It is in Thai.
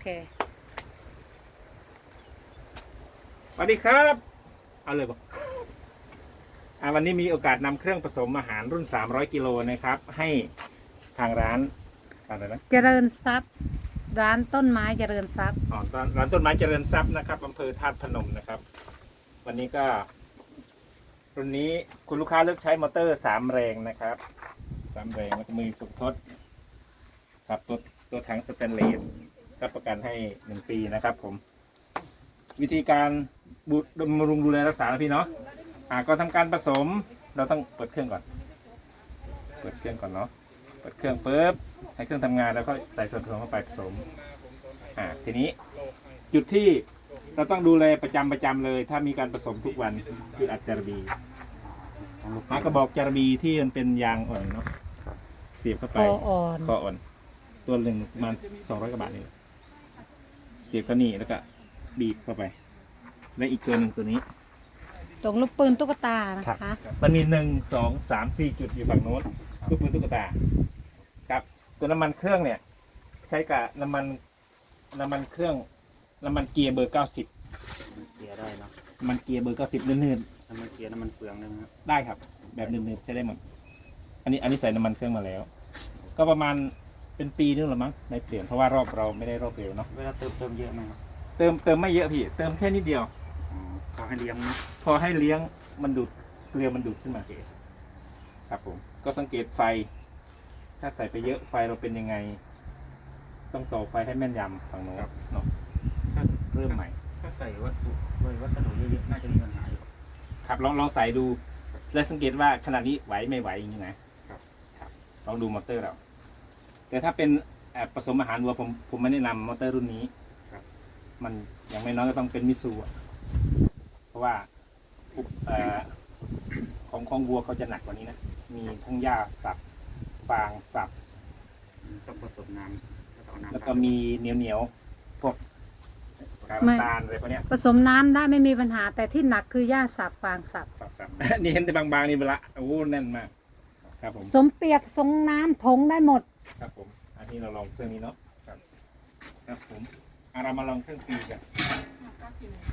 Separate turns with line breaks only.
เค
สวัสดีครับเอาเลยบอกวันนี้มีโอกาสนำเครื่องผสมอาหารรุ่น300 กิโลนะครับให้ทางร้านอะไรนะ
เจริญทรัพย์ร้านต้นไม้เจริญทรัพย์
ร้านต้นไม้เจริญทรัพย์นะครับอำเภอธาตุพนมนะครับ วันนี้ก็รุ่นนี้คุณลูกค้าเลือกใช้มอเตอร์3 แรงนะครับ3 แรงแล้วก็มือฝึกทดครับตัวถังสแตนเลสรับประกันให้1 ปีนะครับผมวิธีการบำรุงดูแลรักษานะพี่เนาะก็ทำการผสมเราต้องเปิดเครื่องก่อนเปิดเครื่องก่อนเนาะเปิดเครื่องปุ๊บให้เครื่องทำงานแล้วก็ใส่ส่วนผสมเข้าไปผสมทีนี้จุดที่เราต้องดูแลประจำเลย ถ้ามีการผสมทุกวันคืออัดจารบีกระบอกจารบีที่มันเป็นยางอ่อนเนาะเสียบเข้าไป
คออ่อน
คออ่อนตัวหนึ่งประมาณ200 กว่าบาทนี่เสียบเข้านี่แล้วก็บีบเข้าไปและอีกตัวหนึ่งตัวนี้
ตรงลูกปืนตุ๊กตานะคะ
มันมี1 2 3 4 จุดอยู่ฝั่งโน้นลูกปืนตุ๊กตาครับตัวน้ำมันเครื่องเนี่ยใช้กับน้ำมันเครื่องน้ำมันเกียร์เบอร์ 90
เกียร์ได้เนาะ
น้ำมันเกียร์เบอร์ 90เนื่น
น้ำมันเกียร์น้ำมันเฟืองได้ไหมครับ
ๆได้ครับ แบบเนื่นๆใช้ได้หมดอันนี้ใส่น้ำมันเครื่องมาแล้ว ก็ประมาณเป็นปีนึงหรือมั้งในเปลี่ยนเพราะว่ารอบเราไม่ได้รอบเร็วเนาะ
เวลาเติมเยอะไหมครับ
เติมไม่เยอะพี่เติมแค่นิดเดียว
อ๋อขอให้เลี้ยงนะ
พอให้เลี้ยงมันดูดเกลือมันดูดขึ้นมาครับผมก็สังเกตไฟ ถ้าใส่ไปเยอะไฟเราเป็นยังไง ต้องต่อไฟให้แม่นยำฝั่งโน้นเนาะ
ถ้า
เริ่มใหม่
ถ้าใส่วัสดุเยอะๆน่าจะมีปัญหาอยู่
ครับลองใส่ดู และสังเกตว่าขนาดนี้ไหวไม่ไหวอย่างนี้นะครับลองดูมอเตอร์เรา แต่ถ้าเป็นผสมอาหารวัวผมไม่แนะนำมอเตอร์รุ่นนี้
ครับ
มันอย่างไม่น้อยก็ต้องเป็นมิสูอะเพราะว่าของวัวเขาจะหนักกว่านี้นะ มีทั้งหญ้าสับฟางสับ
ต้องผสมน้ำแล้วก็เอาน้ำ
แล้วก็มีเหนียวพวกกาก
ไม่
น้ำตาลอะไรพวกเนี้ย
ผสมน้ำได้ไม่มีปัญหา แต่ที่หนักคือหญ้าสับฟางสับ
สับ นี่เห็นแต่บางๆนี่เวลาโอ้โหแน่นมาก ครับผม
สมเปียกสงน้ำผงได้หมด
ครับผม อันนี้เราลองเครื่องนี้เนาะ ครับผมเรามาลองเครื่องปีกัน